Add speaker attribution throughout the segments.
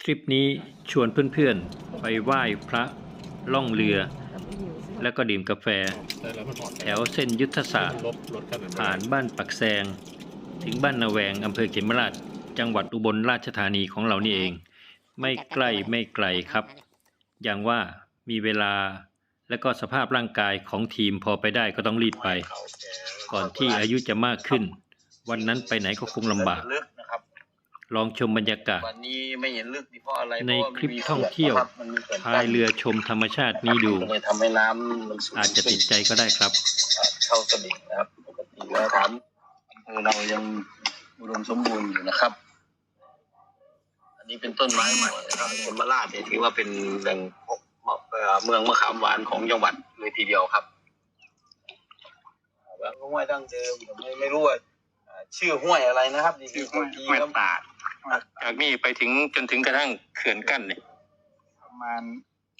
Speaker 1: ทริปนี้ชวนเพื่อนๆไปไหว้พระล่องเรือแล้วก็ดื่มกาแฟแถวเส้นยุทธศาสตร์ผ่านบ้านปักแซงถึงบ้านนาแวงอำเภอเขมราชจังหวัดอุบลราชธานีของเรานี่เองไม่ใกล้ไม่ไกลครับอย่างว่ามีเวลาและก็สภาพร่างกายของทีมพอไปได้ก็ต้องรีบไปก่อนที่อายุจะมากขึ้นวันนั้นไปไหนก็คงลำบากลองชมบรรยากาศในคลิปท่องเที่ยวพายเรือชมธรรมชาตินี้ดูอาจจะติดใจก็ได้ครับ
Speaker 2: เข้าสนิทนะครับปกติแล้วถามเรายังอุดมสมบูรณ์อยู่นะครับอันนี้เป็นต้นไม้ใหม่นะครับเขมราชเนี่ยถือว่าเป็นแหล่งเมืองมะขามหวานของจังหวัดเลยทีเดียวครับห้วยดั้งเดิมไม่รู้ว่าชื่อห้วยอะไรนะครับ
Speaker 3: ชื่อห้วยตาดจากนี่ไปถึงจนถึงกระทั่งเขื่อนกั้นเนี่ยประมาณ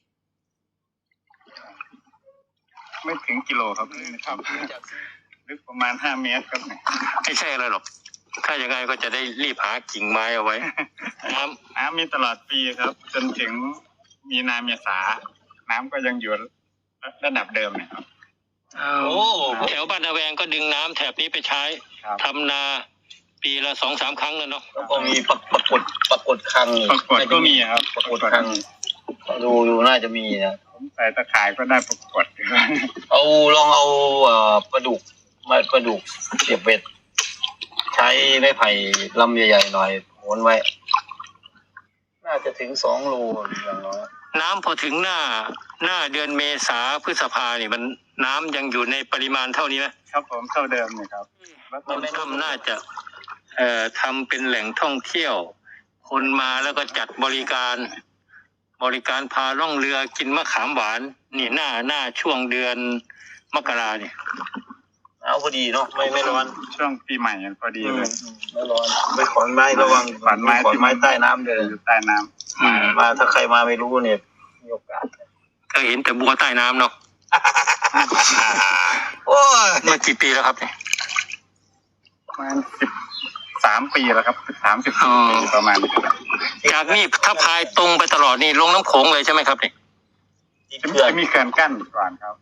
Speaker 3: ไม่ถึงกิโลครับลึกประมาณ5 เมตรครับ
Speaker 1: ไม่ใช่อะไรหรอกถ้าอย่างไรก็จะได้รีบหากิ่งไม้เอาไว้
Speaker 3: น้ำมีตลอดปีครับจนถึงมีนาเมษาน้ำก็ยังอยู่ระดับเดิมนะครับ
Speaker 1: แถวบ้านนาแวงก็ดึงน้ำแถบนี้ไปใช้ทำนาปีละ 2-3 ครั้งแล้วเนาะ
Speaker 2: แล้วก็มีปรากฏครั้ง
Speaker 3: ก็มีครับ
Speaker 2: ปรากฏครั้งดูน่าจะมีนะ
Speaker 3: ผมใส่ตะข่ายก็ได้ปรากฏ
Speaker 2: ลองเอาปลาดุกเสียบเบ็ดใช้ไม้ไผ่ลำใหญ่ๆหน่อยโหนไว้น่าจะถึง2 โลอย่างน้อย
Speaker 1: น้ำพอถึงหน้าเดือนเมษาพฤษภาเนี่ยมันน้ำยังอยู่ในปริมาณเท่านี้ไหม
Speaker 3: ครับผมเท่าเดิมเลยครับ
Speaker 1: ต้นถ้ำน่าจะทำเป็นแหล่งท่องเที่ยวคนมาแล้วก็จัดบริการพาล่องเรือกินมะขามหวานนี่หน้าช่วงเดือนมกราเนี่ย
Speaker 2: เอาพอดีเนาะไม่ร้อน
Speaker 3: ช่วงปีใหม่พอดีเลย
Speaker 2: ไม่ร้อนไม่ขอนไม้ระวัง
Speaker 3: ขอนไม้
Speaker 2: ใต้น้ำเลย
Speaker 3: อยู่ใต้น้
Speaker 2: ำมาถ้าใครมาไม่รู้เนี่ยมีโอกาส
Speaker 1: ก็เห็นแต่บัวใต้น้ำเนาะ
Speaker 2: โอ้ย
Speaker 1: มากี่ปีแล้วครับเนี่ย
Speaker 3: ประมาณ13 ปีแล้วครับ30 ปีประมาณ
Speaker 1: จากนี่ถ้าพายตรงไปตลอดนี่ลงน้ำโขงเลยใช่ไหมครับเนี่ย
Speaker 3: จะมีเขื่อนกั้นก่อนครับ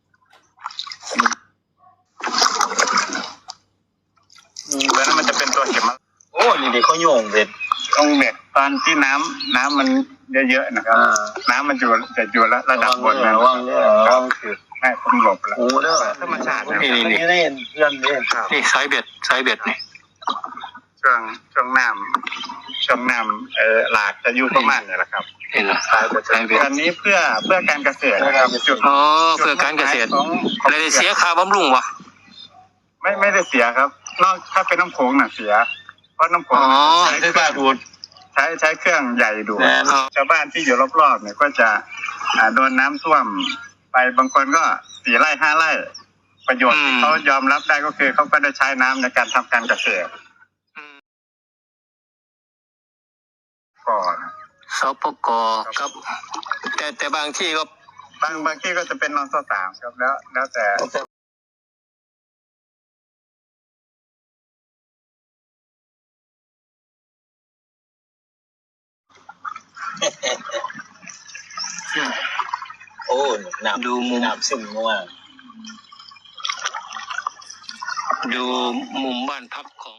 Speaker 3: แล้วมันจะเป็นตัวเข็ม
Speaker 2: โอ้นี่เด็กเขาโยงเบ็ด
Speaker 3: ตอนที่น้ำมันเยอะๆนะครับน้ำมันจะอยู่ระดับบนนะ
Speaker 2: ว่างเนี่ย
Speaker 3: คือให้ผมหลบแล้ว
Speaker 2: โอ้เด้อ
Speaker 3: ธรรมชาติ
Speaker 1: นี่
Speaker 2: เพื่อน
Speaker 1: นี่ไซเบ็ดนี่
Speaker 3: ช่วงน้ำหลากจะอยู่ประมาณนี้แหละครับ
Speaker 1: เห็นไหม
Speaker 3: อันนี้เพื่อการเกษตรนะครับ
Speaker 1: เพื่อการเกษตรอะไรเสียค่าบำรุงวะ
Speaker 3: ไม่ได้เสียครับนอกถ้าเป็นน้ำโขงน่ะเสียเพราะน้ำโขงใช้เครื่องดูดใช้เครื่องใหญ่ดูดชาวบ้านที่อยู่รอบๆเนี่ยก็จะโดนน้ำท่วมไปบางคนก็4 ไร่ 5 ไร่ประโยชน์ที่เขายอมรับได้ก็คือเขาก็ได้ใช้น้ำในการทำการเกษตรก่อน
Speaker 1: สปกครับแต่บางที่ก็
Speaker 3: บางที่ก็จะเป็นนส3ครับแล้วแต่
Speaker 2: โอ้ดูมุมน้ำซึมว่า
Speaker 1: ดูมุมบ้านพักของ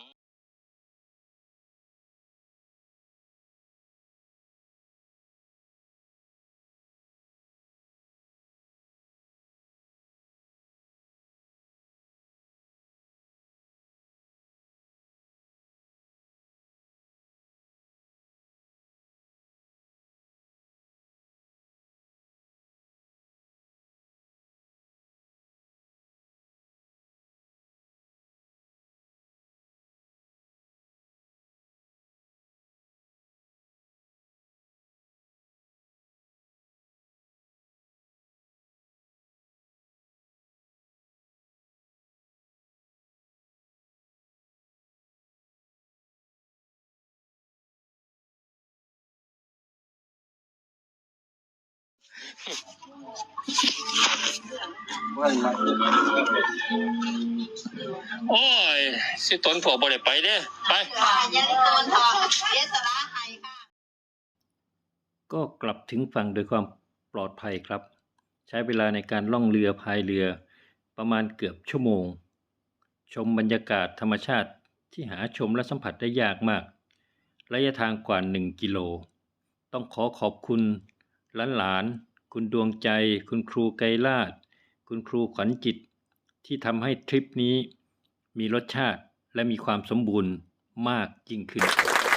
Speaker 1: โอ้ยสิต้นผัวบ่ได้ไปเด้ไปก็กลับถึงฝั่งโดยความปลอดภัยครับ ใช้เวลาในการล่องเรือพายเรือประมาณเกือบชั่วโมง ชมบรรยากาศธรรมชาติที่หาชมและสัมผัสได้ยากมาก ระยะทางกว่า1 กิโล ต้องขอบคุณหลานๆคุณดวงใจ คุณครูไกรลาศ คุณครูขวัญจิต ที่ทำให้ทริปนี้มีรสชาติและมีความสมบูรณ์มากยิ่งขึ้น